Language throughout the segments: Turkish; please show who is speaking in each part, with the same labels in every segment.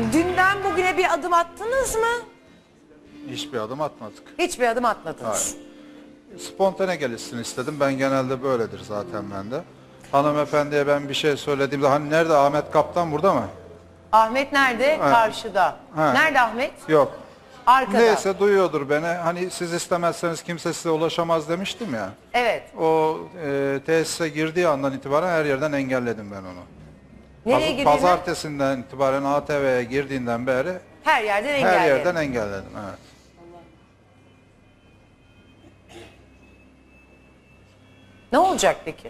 Speaker 1: Dünden bugüne bir adım attınız mı?
Speaker 2: Hiçbir adım atmadık.
Speaker 1: Hiçbir adım atmadınız.
Speaker 2: Hayır. Spontane gelişsin istedim. Ben genelde böyledir zaten bende. Hanımefendiye ben bir şey söylediğimde hani nerede Ahmet Kaptan burada mı?
Speaker 1: Ahmet nerede?
Speaker 2: Ha.
Speaker 1: Karşıda.
Speaker 2: Ha.
Speaker 1: Nerede Ahmet?
Speaker 2: Yok.
Speaker 1: Arkada.
Speaker 2: Neyse duyuyordur beni. Hani siz istemezseniz kimse size ulaşamaz demiştim ya.
Speaker 1: Evet.
Speaker 2: O tesise girdiği andan itibaren her yerden engelledim ben onu.
Speaker 1: Nereye girdiğini
Speaker 2: Pazartesinden itibaren ATV'ye girdiğinden beri
Speaker 1: her yerden engelledim.
Speaker 2: her yerden engelledim. Evet.
Speaker 1: Ne olacak peki?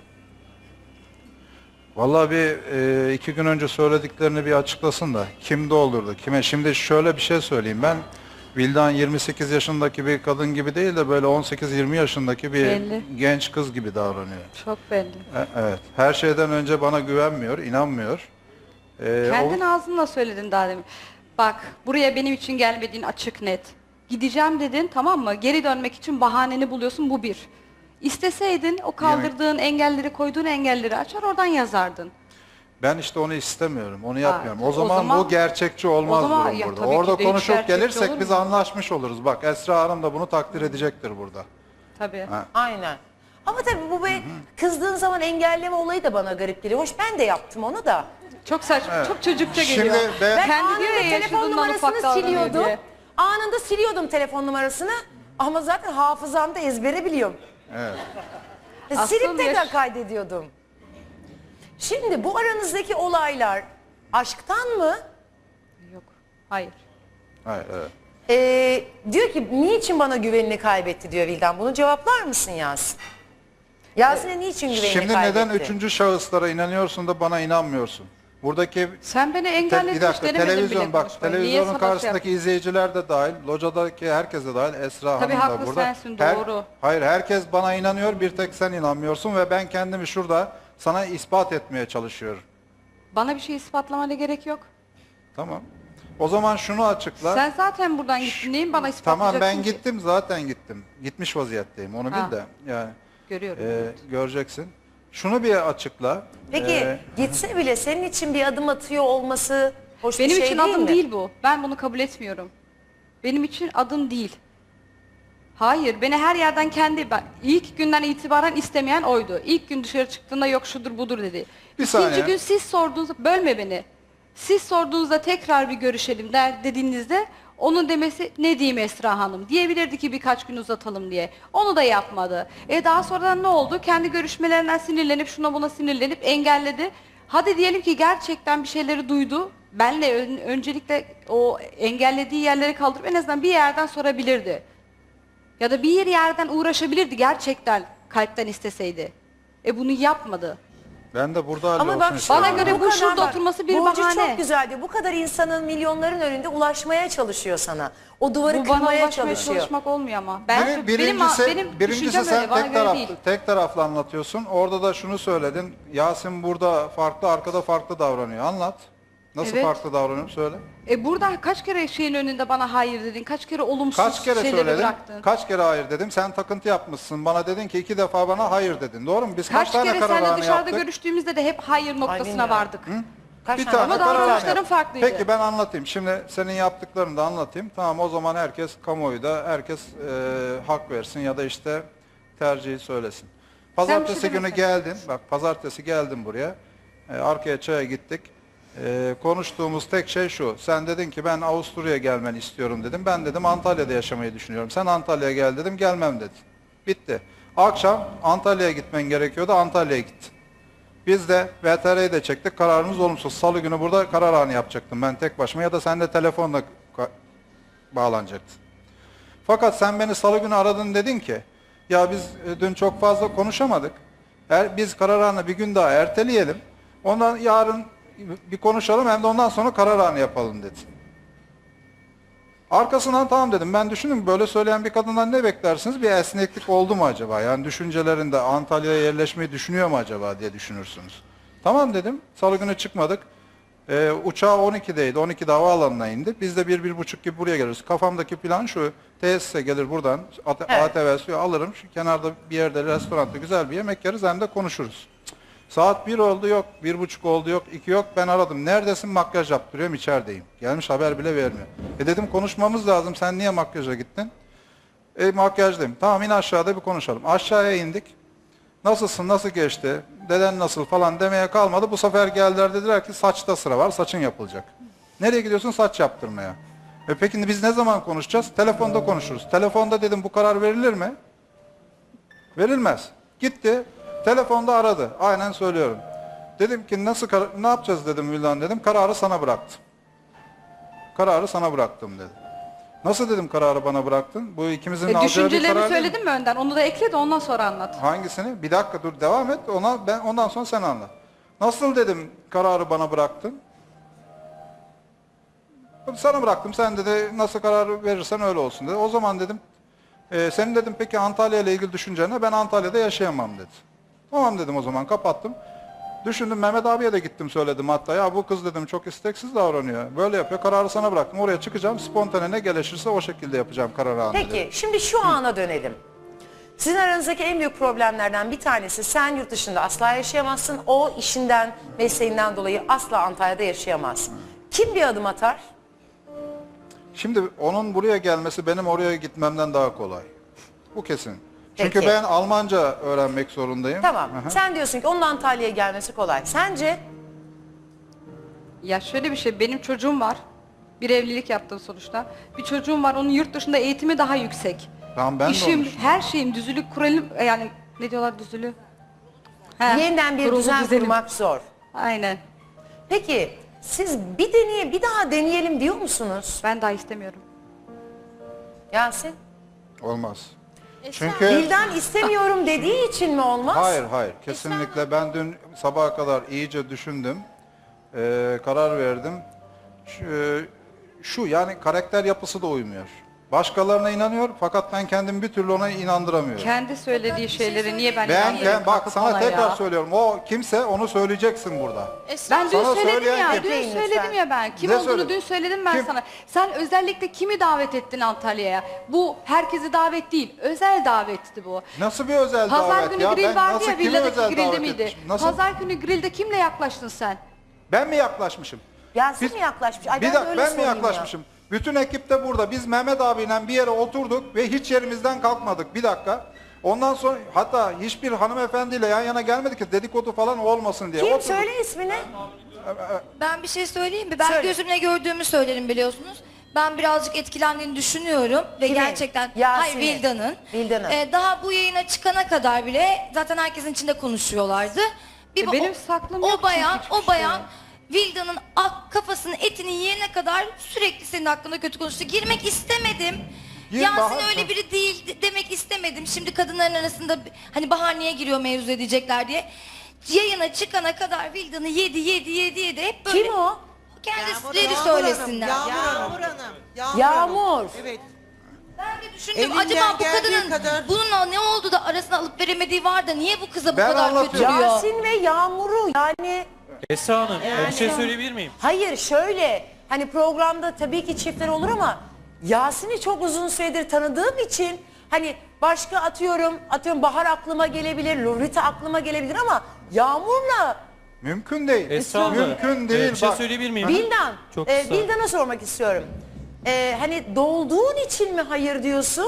Speaker 2: Vallahi bir 2 gün önce söylediklerini bir açıklasın da kim doldurdu kime. Şimdi şöyle bir şey söyleyeyim, ben Vildan 28 yaşındaki bir kadın gibi değil de böyle 18-20 yaşındaki bir
Speaker 3: Belli.
Speaker 2: genç kız gibi davranıyor.
Speaker 3: Çok belli.
Speaker 2: Evet, her şeyden önce bana güvenmiyor, inanmıyor.
Speaker 3: Kendin ağzınla söyledin daha demin. Bak, buraya benim için gelmediğin açık net. Gideceğim dedin, tamam mı? Geri dönmek için bahaneni buluyorsun, bu bir. İsteseydin o kaldırdığın engelleri, koyduğun engelleri açar oradan yazardın.
Speaker 2: Ben işte onu istemiyorum, onu
Speaker 3: Ha,
Speaker 2: yapmıyorum. O
Speaker 3: o
Speaker 2: zaman
Speaker 3: zaman-
Speaker 2: bu gerçekçi olmaz
Speaker 3: o zaman
Speaker 2: durum
Speaker 3: ya
Speaker 2: burada.
Speaker 3: tabii ki
Speaker 2: Orada
Speaker 3: de hiç
Speaker 2: konuşup
Speaker 3: gerçekçi olur
Speaker 2: gelirsek biz
Speaker 3: mu?
Speaker 2: anlaşmış oluruz. Bak Esra Hanım da bunu takdir edecektir burada.
Speaker 3: Tabii.
Speaker 2: Ha.
Speaker 1: Aynen. Ama tabii bu be kızdığın zaman engelleme olayı da bana garip geliyor. Hoş, ben de yaptım onu da.
Speaker 3: Çok saçma,
Speaker 2: Evet.
Speaker 3: çok çocukça
Speaker 2: Şimdi
Speaker 3: geliyor.
Speaker 2: ben-
Speaker 1: Ben
Speaker 3: Kendi diyor
Speaker 1: anında
Speaker 3: ya,
Speaker 1: telefon
Speaker 3: yaşadığından ufak
Speaker 1: numarasını
Speaker 3: davranıyor
Speaker 1: siliyordum.
Speaker 3: diye.
Speaker 1: Anında siliyordum telefon numarasını. Ama zaten hafızamda ezbere biliyorum.
Speaker 2: Evet.
Speaker 1: Silip
Speaker 3: Aslında
Speaker 1: tekrar kaydediyordum. Şimdi bu aranızdaki olaylar aşktan mı?
Speaker 3: Yok, hayır.
Speaker 2: Hayır, evet.
Speaker 1: Diyor ki niçin bana güvenini kaybetti diyor Vildan. Bunu cevaplar mısın Yasin? Yasin'e niçin güvenini
Speaker 2: Şimdi
Speaker 1: kaybetti?
Speaker 2: neden üçüncü şahıslara inanıyorsun da bana inanmıyorsun? Buradaki
Speaker 3: Sen beni
Speaker 2: bir
Speaker 3: engelletmiş
Speaker 2: dakika,
Speaker 3: denemedin
Speaker 2: televizyon
Speaker 3: bile
Speaker 2: bak,
Speaker 3: konuşmayı. Niye
Speaker 2: televizyonun
Speaker 3: sabah şey
Speaker 2: karşısındaki izleyiciler de dahil, locadaki herkes de dahil, Esra
Speaker 3: Tabii
Speaker 2: Hanım da
Speaker 3: haklı
Speaker 2: burada.
Speaker 3: sensin, doğru.
Speaker 2: Hayır, herkes bana inanıyor, bir tek sen inanmıyorsun ve ben kendimi şurada sana ispat etmeye çalışıyorum.
Speaker 3: Bana bir şey ispatlamana gerek yok.
Speaker 2: Tamam. O zaman şunu açıkla.
Speaker 3: Sen zaten buradan gittin. Neyin bana ispatlayacaksın
Speaker 2: Tamam, ben
Speaker 3: ki?
Speaker 2: gittim, zaten gittim. Gitmiş vaziyetteyim, onu
Speaker 3: Ha.
Speaker 2: bil de. Yani
Speaker 3: Görüyorum.
Speaker 2: göreceksin. Şunu bir açıkla.
Speaker 1: Peki gitse bile senin için bir adım atıyor olması hoş
Speaker 3: Benim
Speaker 1: bir şey
Speaker 3: için
Speaker 1: değil
Speaker 3: adım
Speaker 1: mi?
Speaker 3: değil bu. Ben bunu kabul etmiyorum. Benim için adım değil. Hayır, beni her yerden ilk günden itibaren istemeyen oydu. İlk gün dışarı çıktığında yok şudur budur dedi.
Speaker 2: Bir
Speaker 3: İkinci
Speaker 2: saniye.
Speaker 3: gün siz sorduğunuzda, bölme beni. Siz sorduğunuzda tekrar bir görüşelim dediğinizde onun demesi ne diyeyim Esra Hanım diyebilirdi ki birkaç gün uzatalım diye. Onu da yapmadı. Daha sonradan ne oldu? Kendi görüşmelerinden sinirlenip şuna buna sinirlenip engelledi. Hadi diyelim ki gerçekten bir şeyleri duydu. Benle öncelikle o engellediği yerleri kaldırıp en azından bir yerden sorabilirdi. Ya da bir yerden uğraşabilirdi gerçekten kalpten isteseydi. Bunu yapmadı.
Speaker 2: Ben de burada
Speaker 1: Ama
Speaker 2: hallolsun
Speaker 1: bak
Speaker 2: istiyorum.
Speaker 3: Bana göre bu
Speaker 1: kadar
Speaker 3: şurada
Speaker 1: bak,
Speaker 3: oturması bir
Speaker 1: Burcu
Speaker 3: bahane.
Speaker 1: çok güzeldi. Bu kadar insanın milyonların önünde ulaşmaya çalışıyor sana. O duvarı
Speaker 3: Bu bana
Speaker 1: kırmaya
Speaker 3: ulaşmaya
Speaker 1: çalışıyor.
Speaker 3: çalışmak olmuyor ama. Benim
Speaker 2: Birincisi
Speaker 3: düşüncem
Speaker 2: sen
Speaker 3: öyle, bana göre değil.
Speaker 2: tek taraflı anlatıyorsun. Orada da şunu söyledin. Yasin burada farklı, arkada farklı davranıyor. Anlat. Nasıl
Speaker 3: Evet.
Speaker 2: farklı davranıyorum söyle.
Speaker 3: Burada kaç kere şeyin önünde bana hayır dedin, kaç kere olumsuz
Speaker 2: Kaç kere
Speaker 3: şeyleri
Speaker 2: söyledim?
Speaker 3: bıraktın.
Speaker 2: Kaç kere hayır dedim? Sen takıntı yapmışsın. Bana dedin ki 2 defa bana hayır dedin. Doğru mu? Biz kaç
Speaker 3: Kaç
Speaker 2: tane
Speaker 3: kere
Speaker 2: kararname
Speaker 3: seninle dışarıda
Speaker 2: yaptık?
Speaker 3: görüştüğümüzde de hep hayır noktasına
Speaker 1: bilmiyorum.
Speaker 3: vardık.
Speaker 1: Kaç
Speaker 2: Bir
Speaker 1: tane
Speaker 2: tane
Speaker 3: Ama
Speaker 2: kararname
Speaker 3: davranışların
Speaker 2: yaptık.
Speaker 3: farklıydı.
Speaker 2: Peki ben anlatayım. Şimdi senin yaptıklarını da anlatayım. Tamam, o zaman herkes kamuoyu da herkes hak versin ya da işte tercihi söylesin. Pazartesi
Speaker 3: şey
Speaker 2: günü
Speaker 3: demesene.
Speaker 2: geldin. Bak pazartesi geldim buraya. Arkaya çaya gittik. Konuştuğumuz tek şey şu. Sen dedin ki ben Avusturya'ya gelmeni istiyorum dedim. Ben dedim Antalya'da yaşamayı düşünüyorum. Sen Antalya'ya gel dedim. Gelmem dedin. Bitti. Akşam Antalya'ya gitmen gerekiyordu. Antalya'ya gittin. Biz de VTR'yi de çektik. Kararımız olumsuz. Salı günü burada karar anı yapacaktım ben tek başıma ya da sen de telefonla bağlanacaktın. Fakat sen beni salı günü aradın, dedin ki ya biz dün çok fazla konuşamadık. Biz karar anı bir gün daha erteleyelim. Ondan yarın bir konuşalım, hem de ondan sonra karar anı yapalım dedi. Arkasından tamam dedim. Ben düşündüm, böyle söyleyen bir kadından ne beklersiniz? Bir esneklik oldu mu acaba? Yani düşüncelerinde Antalya'ya yerleşmeyi düşünüyor mu acaba diye düşünürsünüz. Tamam dedim. Salı günü çıkmadık. Uçağı 12'deydi. 12'de havaalanına indi. Biz de 1-1.30 gibi buraya geliriz. Kafamdaki plan şu. Tesise gelir buradan.
Speaker 1: Evet.
Speaker 2: ATV suyu alırım. Şu kenarda bir yerde, restoranda güzel bir yemek yeriz, hem de konuşuruz. Saat 1 oldu yok, 1.30 oldu yok, 2 yok. Ben aradım. Neredesin? Makyaj yaptırıyorum, içerideyim. Gelmiş haber bile vermiyor. Dedim konuşmamız lazım. Sen niye makyaja gittin? Makyajdayım. Tamam in aşağıda bir konuşalım. Aşağıya indik. Nasılsın, nasıl geçti, deden nasıl falan demeye kalmadı. Bu sefer geldiler dediler ki saçta sıra var, saçın yapılacak. Nereye gidiyorsun? Saç yaptırmaya. Peki biz ne zaman konuşacağız? Telefonda konuşuruz. Telefonda dedim bu karar verilir mi? Verilmez. Gitti, telefonda aradı. Aynen söylüyorum. Dedim ki ne yapacağız dedim Vildan dedim. Kararı sana bıraktım. Kararı sana bıraktım dedi. Nasıl dedim kararı bana bıraktın? Bu ikimizin alacağı bir
Speaker 3: Düşüncelerini
Speaker 2: karar değil mi?
Speaker 3: söyledin mi önden? Onu da ekle de ondan sonra anlat.
Speaker 2: Hangisini? Bir dakika dur devam et. Ondan sonra sen anlat. Nasıl dedim kararı bana bıraktın? Sana bıraktım. Sen dedi nasıl karar verirsen öyle olsun dedi. O zaman dedim senin dedim peki Antalya ile ilgili düşüncene ben Antalya'da yaşayamam dedi. Tamam dedim o zaman kapattım. Düşündüm Mehmet abiye de gittim söyledim hatta ya bu kız dedim çok isteksiz davranıyor. Böyle yapıyor kararı sana bıraktım oraya çıkacağım spontane ne gelişirse o şekilde yapacağım kararı anında.
Speaker 1: Peki şimdi şu ana dönelim. Sizin aranızdaki en büyük problemlerden bir tanesi sen yurt dışında asla yaşayamazsın. O işinden, mesleğinden dolayı asla Antalya'da yaşayamaz. Kim bir adım atar?
Speaker 2: Şimdi onun buraya gelmesi benim oraya gitmemden daha kolay. Bu kesin. Çünkü
Speaker 1: Peki.
Speaker 2: ben Almanca öğrenmek zorundayım.
Speaker 1: Tamam.
Speaker 2: Aha.
Speaker 1: Sen diyorsun ki onun Antalya'ya gelmesi kolay. Sence?
Speaker 3: Ya şöyle bir şey, benim çocuğum var. Bir evlilik yaptım sonuçta. Bir çocuğum var, onun yurt dışında eğitimi daha yüksek.
Speaker 2: Tamam ben de
Speaker 3: İşim,
Speaker 2: onu
Speaker 3: her şeyim düzülük kuralım, yani ne diyorlar düzülü? He,
Speaker 1: Yeniden bir
Speaker 3: kurulu
Speaker 1: düzen
Speaker 3: düzenim.
Speaker 1: kurmak zor.
Speaker 3: Aynen.
Speaker 1: Peki siz bir daha deneyelim diyor musunuz?
Speaker 3: Ben daha istemiyorum.
Speaker 1: Yasin?
Speaker 2: olmaz. Çünkü
Speaker 1: Vildan istemiyorum dediği için mi olmaz?
Speaker 2: hayır kesinlikle ben dün sabaha kadar iyice düşündüm. Karar verdim. Şu yani karakter yapısı da uymuyor. Başkalarına inanıyor fakat ben kendimi bir türlü ona inandıramıyorum.
Speaker 3: Kendi söylediği şeyleri niye ben
Speaker 2: Ben
Speaker 3: inanmıyorum
Speaker 2: bak
Speaker 3: kalkıp
Speaker 2: sana
Speaker 3: ona
Speaker 2: tekrar
Speaker 3: ya?
Speaker 2: söylüyorum. O kimse onu söyleyeceksin burada.
Speaker 3: Ben dün
Speaker 2: Sana
Speaker 3: söyledim
Speaker 2: söyleyen
Speaker 3: ya,
Speaker 2: kim?
Speaker 3: dün
Speaker 1: Bekleyin
Speaker 3: söyledim
Speaker 1: lütfen.
Speaker 3: ya ben. Kim
Speaker 2: Ne
Speaker 3: olduğunu
Speaker 2: söyledin?
Speaker 3: dün söyledim ben
Speaker 2: Kim?
Speaker 3: sana. Sen özellikle kimi davet ettin Antalya'ya? Bu herkesi davet değil, özel davetti bu.
Speaker 2: Nasıl bir özel
Speaker 3: Pazar
Speaker 2: davet
Speaker 3: günü
Speaker 2: ya?
Speaker 3: grill
Speaker 2: Ben
Speaker 3: vardı
Speaker 2: nasıl
Speaker 3: ya,
Speaker 2: kimi
Speaker 3: villadaki
Speaker 2: özel
Speaker 3: grilde
Speaker 2: davet
Speaker 3: miydi?
Speaker 2: etmişim? Nasıl?
Speaker 3: Pazar günü grillde kimle yaklaştın sen?
Speaker 2: Ben mi yaklaşmışım?
Speaker 1: Yasin
Speaker 2: Biz-
Speaker 1: mi yaklaşmış? Ay,
Speaker 2: Bir
Speaker 1: ben de
Speaker 2: dakika
Speaker 1: öyle
Speaker 2: ben mi
Speaker 1: sorayım ya.
Speaker 2: yaklaşmışım? Bütün ekip de burada. Biz Mehmet abiyle bir yere oturduk ve hiç yerimizden kalkmadık. Bir dakika. Ondan sonra hatta hiçbir hanımefendiyle yan yana gelmedik ki dedikodu falan olmasın diye.
Speaker 1: Kim?
Speaker 2: Oturduk.
Speaker 1: Söyle ismini.
Speaker 4: Ben bir şey söyleyeyim mi? Ben
Speaker 1: Söyle.
Speaker 4: gözümle gördüğümü söylerim biliyorsunuz. Ben birazcık etkilendiğini düşünüyorum ve
Speaker 1: Kimin?
Speaker 4: gerçekten
Speaker 1: Yasin'in.
Speaker 4: hayır Vildan'ın.
Speaker 1: Vildan'ın.
Speaker 4: Daha bu yayına çıkana kadar bile zaten herkesin içinde konuşuyorlardı.
Speaker 3: Benim saklım yok
Speaker 4: o bayan
Speaker 3: çünkü hiçbir
Speaker 4: o bayan
Speaker 3: şey.
Speaker 4: Vildan'ın kafasının etini yiyene kadar sürekli senin hakkında kötü konuştu. Girmek istemedim.
Speaker 2: Gir
Speaker 4: Yasin
Speaker 2: Bahar.
Speaker 4: öyle biri değil demek istemedim. Şimdi kadınların arasında hani Bahar niye giriyor mevzu edecekler diye. Yayına çıkana kadar Vildan'ı yedi hep böyle.
Speaker 1: Kim o?
Speaker 4: Kendileri söylesinler.
Speaker 5: Yağmur Hanım.
Speaker 1: Yağmur.
Speaker 5: Evet.
Speaker 4: Ben de düşündüm
Speaker 5: Elinden
Speaker 4: acaba bu
Speaker 5: geldiği
Speaker 4: kadının
Speaker 5: kadar-
Speaker 4: bununla ne oldu da arasına alıp veremediği var da niye bu kıza bu
Speaker 2: Ben
Speaker 4: kadar
Speaker 2: anlatıyorum.
Speaker 4: kötülüyor?
Speaker 1: Yasin ve Yağmur'u yani
Speaker 6: Esra Hanım, bir şey söyleyebilir miyim?
Speaker 1: hayır şöyle hani programda tabii ki çiftler olur ama Yasin'i çok uzun süredir tanıdığım için hani başka atıyorum Bahar aklıma gelebilir, Lurita aklıma gelebilir ama Yağmur'la
Speaker 2: Mümkün değil.
Speaker 6: Esra Hanım,
Speaker 2: Mümkün değil.
Speaker 6: bir şey
Speaker 2: Bak.
Speaker 6: söyleyebilir miyim?
Speaker 1: Vildan,
Speaker 6: Çok kısa.
Speaker 1: Vildan'a sormak istiyorum. Hani dolduğun için mi hayır diyorsun?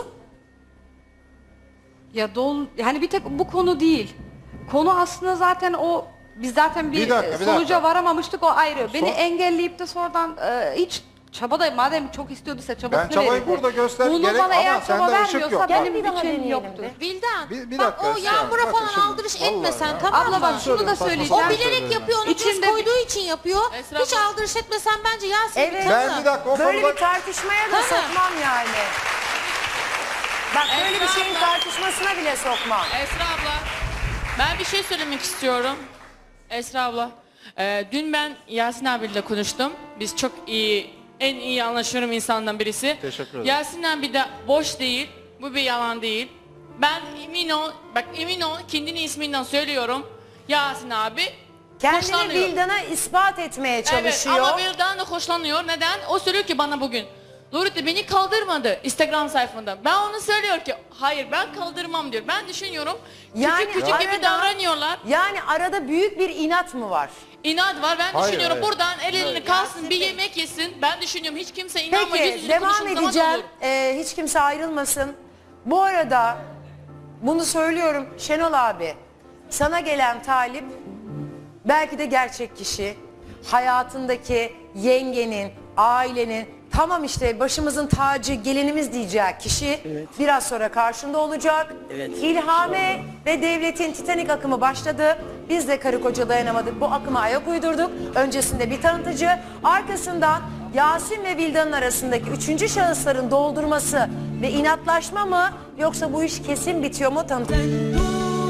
Speaker 3: Ya hani bir tek bu konu değil. Konu aslında zaten o, biz zaten bir,
Speaker 2: Bir dakika, bir
Speaker 3: sonuca
Speaker 2: dakika.
Speaker 3: varamamıştık, o ayrı. Beni
Speaker 2: Son-
Speaker 3: engelleyip de sonradan hiç çaba da madem çok istiyorduysa çabasını
Speaker 2: Ben çabayı
Speaker 3: verirdi.
Speaker 2: burada göster
Speaker 3: Bunu
Speaker 2: gerek
Speaker 3: bana
Speaker 2: ama
Speaker 3: eğer
Speaker 2: sende
Speaker 3: çaba
Speaker 2: ışık yok.
Speaker 3: vermiyorsa
Speaker 2: Bak.
Speaker 3: benim
Speaker 1: Bir daha
Speaker 3: için
Speaker 1: deneyelim
Speaker 3: yoktur.
Speaker 1: de.
Speaker 7: Vildan,
Speaker 2: Bir
Speaker 7: bak
Speaker 2: dakika
Speaker 7: o
Speaker 2: Esra,
Speaker 7: Yağmur'a
Speaker 2: bakın
Speaker 7: falan
Speaker 2: şimdi,
Speaker 7: aldırış
Speaker 2: vallahi
Speaker 7: etmesen
Speaker 2: ya.
Speaker 7: tamam
Speaker 3: Abla
Speaker 7: mı?
Speaker 3: bak şunu da
Speaker 2: Saçma
Speaker 3: söyleyeceğim.
Speaker 2: sapan
Speaker 7: O bilerek
Speaker 2: söylüyorum.
Speaker 7: yapıyor, onu
Speaker 3: İçinde
Speaker 7: göz
Speaker 3: bir-
Speaker 7: koyduğu için yapıyor. Hiç aldırış etmesen bence Yasin
Speaker 1: Evet.
Speaker 7: bir
Speaker 2: Ben
Speaker 7: tanı.
Speaker 2: bir dakika o
Speaker 1: Böyle
Speaker 2: konuda...
Speaker 1: bir tartışmaya da
Speaker 7: Ha.
Speaker 1: sokmam yani. Bak böyle bir şeyin tartışmasına bile sokmam.
Speaker 8: Esra abla, ben bir şey söylemek istiyorum. Esra abla, dün ben Yasin abiyle konuştum. Biz çok iyi, en iyi anlaşıyorum insandan birisi.
Speaker 2: Teşekkür ederim.
Speaker 8: Yasin abi de boş değil, bu bir yalan değil. Ben emin ol, bak emin ol, kendini isminden söylüyorum. Yasin abi
Speaker 1: Kendini
Speaker 8: hoşlanıyor.
Speaker 1: Vildan'a ispat etmeye çalışıyor.
Speaker 8: Evet ama Vildan da hoşlanıyor. Neden? O söylüyor ki bana bugün. Lurita beni kaldırmadı Instagram sayfında. Ben onu söylüyor ki Hayır ben kaldırmam diyor. Ben düşünüyorum.
Speaker 1: Yani
Speaker 8: Küçük küçük gibi
Speaker 1: arada-
Speaker 8: davranıyorlar.
Speaker 1: Yani arada büyük bir inat mı var?
Speaker 8: İnat var. Ben
Speaker 2: Hayır,
Speaker 8: düşünüyorum
Speaker 2: hayır.
Speaker 8: buradan elini kalsın bir yemek yesin. Ben düşünüyorum hiç kimse inanma.
Speaker 1: Peki
Speaker 8: yüz yüze
Speaker 1: devam
Speaker 8: konuşulduğu zaman
Speaker 1: edeceğim.
Speaker 8: olur.
Speaker 1: Hiç kimse ayrılmasın. Bu arada bunu söylüyorum Şenol abi. Sana gelen talip belki de gerçek kişi. Hayatındaki yengenin, ailenin, tamam işte başımızın tacı, gelinimiz diyecek kişi biraz sonra karşında olacak. İlhame ve Devlet'in Titanik akımı başladı. Biz de karı koca dayanamadık. Bu akıma ayak uydurduk. Öncesinde bir tanıtıcı, arkasından Yasin ve Vildan'ın arasındaki üçüncü şahısların doldurması ve inatlaşma mı, yoksa bu iş kesin bitiyor mu tanıtıcı.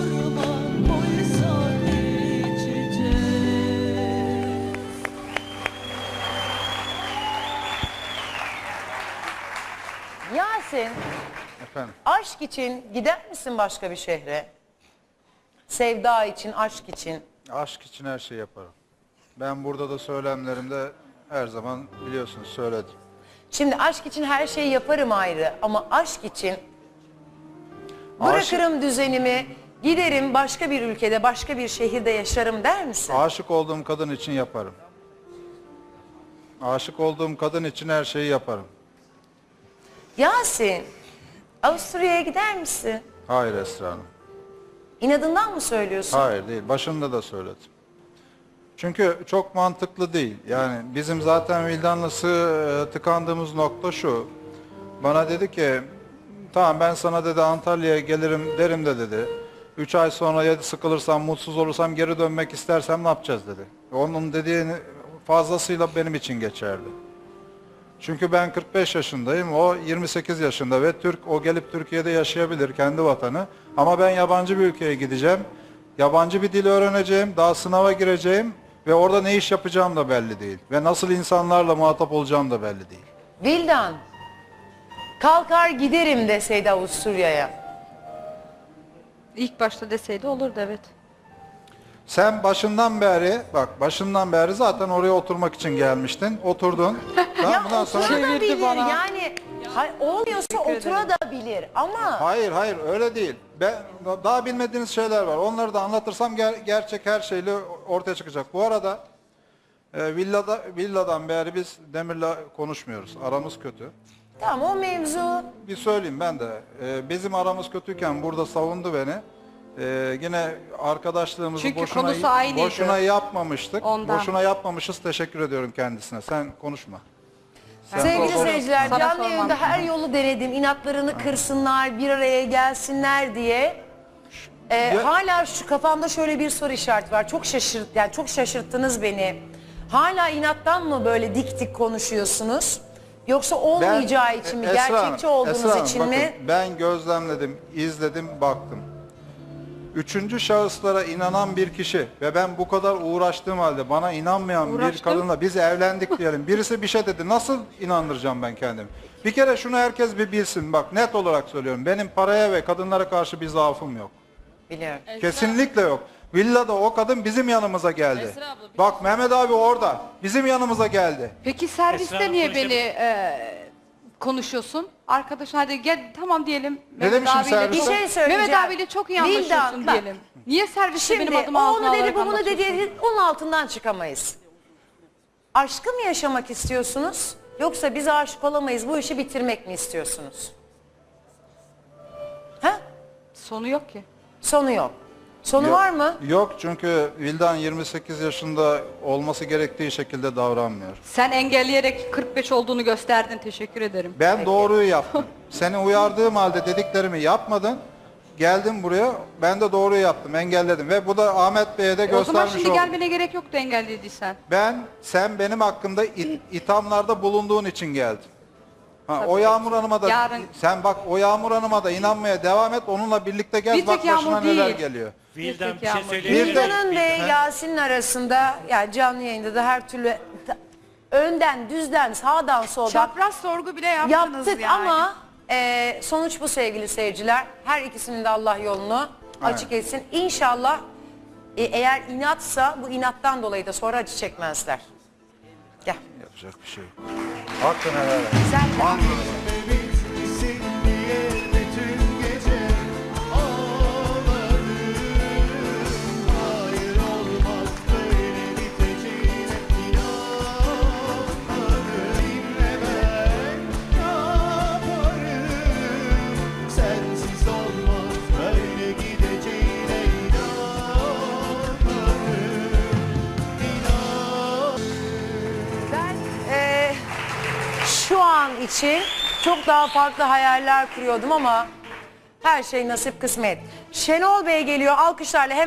Speaker 1: Yasin,
Speaker 2: Efendim.
Speaker 1: aşk için gider misin başka bir şehre? Sevda için, aşk için.
Speaker 2: Aşk için her şeyi yaparım. Ben burada da söylemlerimde her zaman biliyorsunuz söyledim.
Speaker 1: Şimdi aşk için her şeyi yaparım ayrı ama aşk için bırakırım düzenimi, giderim başka bir ülkede, başka bir şehirde yaşarım der misin?
Speaker 2: Aşık olduğum kadın için yaparım. Aşık olduğum kadın için her şeyi yaparım.
Speaker 1: Yasin, Avusturya'ya gider misin?
Speaker 2: Hayır Esra Hanım.
Speaker 1: İnadından mı söylüyorsun?
Speaker 2: Hayır değil. Başında da söyledim. Çünkü çok mantıklı değil. Yani bizim zaten Vildan'la tıkandığımız nokta şu. Bana dedi ki tamam ben sana dedi Antalya'ya gelirim derim de dedi. 3 ay sonra ya sıkılırsam, mutsuz olursam, geri dönmek istersem ne yapacağız dedi. Onun dediğini fazlasıyla benim için geçerli. Çünkü ben 45 yaşındayım, o 28 yaşında ve Türk, o gelip Türkiye'de yaşayabilir kendi vatanı. Ama ben yabancı bir ülkeye gideceğim, yabancı bir dil öğreneceğim, daha sınava gireceğim ve orada ne iş yapacağım da belli değil. Ve nasıl insanlarla muhatap olacağım da belli değil.
Speaker 1: Vildan, kalkar giderim deseydi Avusturya'ya.
Speaker 3: İlk başta deseydi olurdu evet.
Speaker 2: Sen başından beri zaten oraya oturmak için gelmiştin, oturdun.
Speaker 1: Ya
Speaker 2: Bundan sonra...
Speaker 1: oturabilir yani, olmuyorsa oturabilir ama...
Speaker 2: Hayır öyle değil. Daha bilmediğiniz şeyler var. Onları da anlatırsam gerçek her şeyle ortaya çıkacak. Bu arada villadan beri biz Demir'le konuşmuyoruz. Aramız kötü.
Speaker 1: Tamam, o mevzu.
Speaker 2: Bir söyleyeyim ben de. Bizim aramız kötüyken burada savundu beni. Yine arkadaşlığımızı
Speaker 3: Çünkü konusu aynıydı.
Speaker 2: boşuna yapmamıştık.
Speaker 3: Ondan.
Speaker 2: Boşuna yapmamışız. Teşekkür ediyorum kendisine. Sen konuşma.
Speaker 1: Sevgili seyirciler,
Speaker 3: Sana
Speaker 1: canlı
Speaker 3: sormam.
Speaker 1: yayında her yolu denedim. İnatlarını kırsınlar, bir araya gelsinler diye. Hala şu kafamda şöyle bir soru işareti var. Çok şaşırttınız beni. Hala inattan mı böyle dik dik konuşuyorsunuz? Yoksa olmayacağı için mi?
Speaker 2: Esra Hanım,
Speaker 1: Gerçekçi olduğunuz
Speaker 2: Esra Hanım,
Speaker 1: için
Speaker 2: bakın,
Speaker 1: mi?
Speaker 2: ben gözlemledim, izledim, baktım. Üçüncü şahıslara inanan bir kişi ve ben bu kadar uğraştığım halde bana inanmayan bir
Speaker 3: Uğraştım.
Speaker 2: kadınla biz evlendik diyelim. Birisi bir şey dedi. Nasıl inandıracağım ben kendimi? Bir kere şunu herkes bir bilsin. Bak net olarak söylüyorum. Benim paraya ve kadınlara karşı bir zaafım yok.
Speaker 1: Biliyorum.
Speaker 2: Kesinlikle yok. Villada o kadın bizim yanımıza geldi.
Speaker 8: Esra abla, bir
Speaker 2: Bak Mehmet abi orada. Bizim yanımıza geldi.
Speaker 3: Peki serviste
Speaker 6: Esra Hanım
Speaker 3: niye
Speaker 6: konuşabilir-
Speaker 3: beni konuşuyorsun? Arkadaşın hadi gel tamam diyelim.
Speaker 2: demişim serviste?
Speaker 1: Bir şey söyleyeceğim.
Speaker 3: Mehmet abiyle çok iyi anlaşıyorsun
Speaker 1: Vildan, bak.
Speaker 3: diyelim. Niye serviste
Speaker 1: Şimdi
Speaker 3: benim adım
Speaker 1: o
Speaker 3: ağzına
Speaker 1: onu dedi,
Speaker 3: alarak
Speaker 1: bu bunu
Speaker 3: anlatıyorsun?
Speaker 1: dedi, onun altından çıkamayız. Aşkı mı yaşamak istiyorsunuz? Yoksa biz aşık olamayız, bu işi bitirmek mi istiyorsunuz? Ha?
Speaker 3: Sonu yok ki.
Speaker 1: Sonu yok. Sonu
Speaker 2: Yok.
Speaker 1: var mı?
Speaker 2: Yok çünkü Vildan 28 yaşında olması gerektiği şekilde davranmıyor.
Speaker 3: Sen engelleyerek 45 olduğunu gösterdin. Teşekkür ederim.
Speaker 2: Ben doğruyu yaptım. Seni uyardığım halde dediklerimi yapmadın. Geldim buraya, ben de doğruyu yaptım, engelledim. Ve bu da Ahmet Bey'e de
Speaker 3: O zaman
Speaker 2: göstermiş
Speaker 3: şimdi
Speaker 2: oldum.
Speaker 3: gelmene gerek yoktu engellediysen.
Speaker 2: Sen benim hakkımda ithamlarda bulunduğun için geldin. O Yağmur Hanım'a da,
Speaker 3: Yarın-
Speaker 2: sen bak o Yağmur Hanım'a da inanmaya devam et, onunla birlikte gel,
Speaker 3: Bir
Speaker 2: bak
Speaker 3: tek
Speaker 2: başına
Speaker 3: Yağmur
Speaker 2: neler
Speaker 3: değil.
Speaker 2: geliyor.
Speaker 6: Vildan
Speaker 3: tek
Speaker 6: bir şey
Speaker 3: yağmur.
Speaker 6: söyleyebilir miyim?
Speaker 1: Vildan'ın ve Yasin'in arasında, yani canlı yayında da her türlü önden, düzden, sağdan, soldan
Speaker 5: Çapraz sorgu bile yaptınız
Speaker 1: yaptık
Speaker 5: yani.
Speaker 1: ama sonuç bu sevgili seyirciler. Her ikisinin de Allah yolunu açık etsin. İnşallah eğer inatsa bu inattan dolayı da sonra acı çekmezler. Gel.
Speaker 2: Yapacak bir şey yok. Hakkını helal et.
Speaker 1: Sen de
Speaker 9: Bizi diye bütün gece
Speaker 1: şu an için çok daha farklı hayaller kuruyordum ama her şey nasip kısmet. Şenol Bey geliyor alkışlarla.